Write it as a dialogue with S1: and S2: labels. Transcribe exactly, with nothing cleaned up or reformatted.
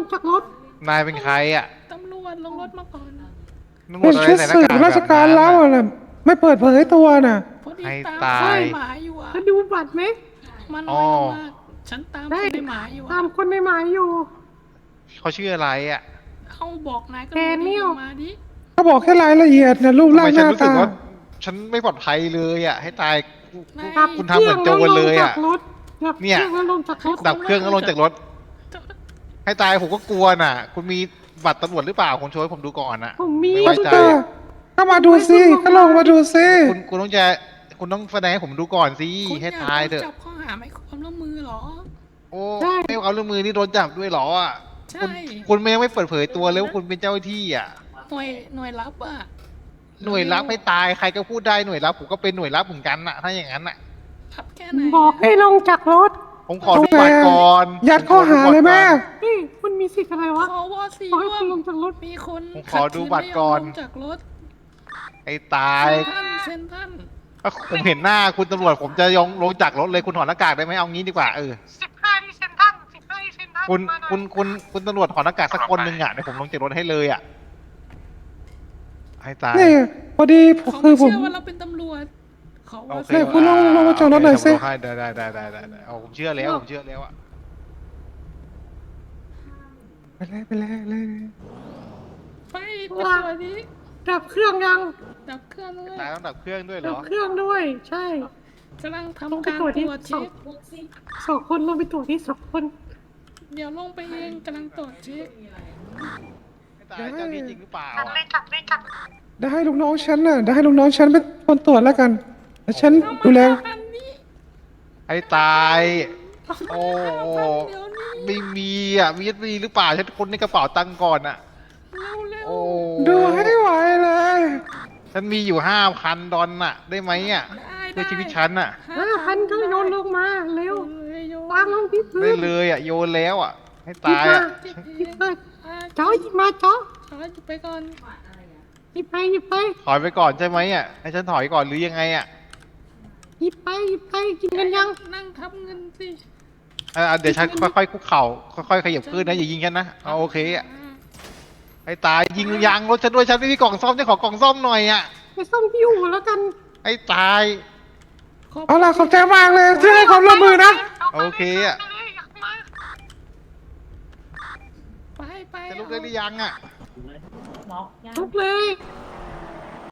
S1: งจากรถ
S2: นายเป็นใครอ่ะ
S3: ตำรวจลงรถมาก่อน
S2: ตำรวจอะไร
S4: ชุด
S2: ใส่หน้า
S4: สืบ
S2: กาก
S4: ราชการ
S2: แบบ
S4: แล้
S2: นั้
S4: วน น่ะไม่เปิดเผยตัวน่ะ
S3: พอดี
S2: ให้
S3: ตาม
S2: ตา
S3: คน
S2: ย
S3: ในหมาอยู่อ่ะ
S1: แล้วดูบัตรไหม
S3: มัน
S2: อ๋อ
S3: มากฉันตาม
S1: ได้
S3: คนในหมาอยู่
S1: ตา
S3: อ่ะ
S1: มคนในหมายอยู่
S2: เขาชื่ออะไรอ่ะ
S3: เอาบอกนายก็
S1: แด
S3: รู้
S1: เนี
S3: ดี
S1: ยล
S3: มาดิ
S4: เขาบอกแค่รายละเอียดนะรูป
S2: ทำ
S4: ร่า
S2: ไม
S4: งห
S2: ฉัน
S4: น้า
S2: รู้สึก
S4: ตา
S2: ว่าฉันไม่ปลอดภัยเลยอ่ะให้ตาย
S3: นาย
S1: ดับ
S2: คุณทำเหมือนโจรเลยอะ
S1: เครื่องแล้วลงจากรถดับ
S2: เนี่ย
S1: เครื่องแล้วลงจากรถ
S2: ดับเครื่องก็ลงจากรถ ให้ตายผมก็กลัวน่ะ คุณมีบัตรตำรวจหรือเปล่าคุณช่วยผมดูก่อนน่ะ
S1: ผมมี
S2: ไม่ไว้ใจ
S4: ก็ก็มาดูสิก็ลงมาดูสิ
S2: คุณคุณต้องจะคุณต้องแสดงให้ผมดูก่อนสิ
S3: คุณอ
S2: ให้
S3: ยาก
S2: ตาย
S3: โด
S2: เถ
S3: น
S2: อะ
S3: จับข้อหาไม่ความร่วมมือเหรอ
S2: โอ้ไม่เอาเรื่องมือนี่โดนจับด้วยเหรออ่ะ
S3: ใช่
S2: คุณคุณไม่ยังไม่เปิดเผยตัวเลยว่าคุณเป็นเจ้าหน้าที่อ่ะ
S3: หน่วยหน่วยรับอ่ะ
S2: หน่วยรับให้ตายใครก็พูดได้หน่วยรับผมก็เป็นหน่วยรับเหมือนกันน่ะถ้าอย่างนั้นน่ะ
S3: รับแค่ไหน
S1: บอกให้ลงจากรถ
S2: ผมขอดูบัตรก่อน
S4: ยัดข้อหาเลยแม่
S1: นี่คุณมีสิทธิ์อะไรวะ
S3: ขอวอซี
S1: ขอให้
S3: ร่ว
S1: คุณ
S3: ม
S1: ลงจากรถ
S3: มีคน
S2: ผมขอดูบัตรก่อน
S3: ขัดขืไม่ยมลงจากรถ
S2: ไอ้ตาย
S3: เซนท่านเซนท่าน
S2: ถ้าผมเห็นหน้าคุณตำรวจผมจะยองลงจากรถเลยคุณถอดหน้ากากได้ไหมเอางี้ดีกว่าเออ
S1: สิบห้าที่เซนทันสิบห้าที่เซนทัน
S2: คุณคุณคุณคุณตำรวจถอดหน้ากากสักคนหนึ่งอ่ะเดี๋ยวผมลงจากรถให้เลยอ่ะให้ตาย
S4: นี่พอดีคื
S3: เขาไม่
S4: อผม
S3: เชื่อว่าเราเป็นตำรวจเขา
S2: โอ
S3: ว่า
S2: เค
S4: เนี่ยคุณลงลงมาจากรถหน่อยสิ
S2: โเคได้ได้ได้ได้ได้ได้เอาผมเชื่อแล้วผมเชื่อแล้วอ่ะ
S4: ไปเลยไปเลยเลย
S3: ไปตำรวจนี้
S1: ดับเครื่องยัง
S3: ดับเครื่องเลย
S2: ตายต้องดับเครื่องด้วยเหร
S1: ดับ
S2: อ
S1: เครื่องด้วย ใช่
S3: กำลัง
S1: ลง
S3: ทำ
S1: ไป
S3: การ
S1: ตรวจ
S3: ต
S1: ที่
S3: รวจ
S1: สอ
S3: เช็
S1: ง
S3: ค
S1: สองคนลงไปตรวจที่สองคน
S3: เดี๋ยวลงไปเองกำลังตรวจเช็ค
S2: ให้ตายเจ้าหนี้จริงหรือเปล่า
S1: จับ
S2: อะ
S1: เลยจับเลยจับ
S4: ได้ให้ลูกน้องฉันน่ะได้ให้ลูกน้องฉันเป็นคนตรวจแล้วกันแล้วฉันดูแล
S3: อันนี้
S2: ให้ตายโอ้
S3: เดี๋ยวนี้
S2: ไม่มีอ่ะมีมีหรือเปล่าฉันคนในกระเป๋าตังค์ก่อนอ่ะ
S3: เร็วเร็ว
S2: โอ้
S4: ดูให้ไหวเลย
S2: ฉันมีอยู่ห้าพันดอลน่ะ ได้ไหมอ่ะ
S3: ได้
S2: เพื่อชีวิตฉันอ่ะ
S1: ห้าพันก็โยนลงมาเร็ว
S3: เลยโย
S1: วางลงที่พื้
S2: ได้
S1: น
S2: เลยอ่ะโยนแล้วอ่ะ ให้
S1: หยิบ
S2: ตาย
S1: มา
S2: อ่ะ
S1: หยิบมา
S3: อ่า
S1: จ้อหยิบมาจ้อ
S3: ขอหยิบไปก่อน
S1: หยิบไปหยิบไป
S2: ถอยไปก่อนใช่ไหมอ่ะให้ฉันถอยก่อนหรือยังไงอ่ะ
S1: หยิบไปหยิบไปกินกันยัง
S3: นั่งทับเงินสิ
S2: อ่ะเดี๋ยวฉันค่อยๆคุกเข่าค่อยๆขยับขึ้นนะอย่ายิงฉันนะเอาโอเคอ่ะให้ตายยิงยางรถฉันด้วยฉันไม่มีกล่องซ่อมจะขอกล่องซ่อมหน่อยอ่ะ
S1: ไปซ่อมที่อู่แล้วกัน
S2: ให้ตาย
S3: ขอบ
S4: เอาล่ะขอบใจมากเลยที่ให้ความร่วมมือนะ
S2: โอเคอ่ะ
S3: ไปไป
S2: จะลุกได้หรือยังอ่ะ
S1: ลุกเลย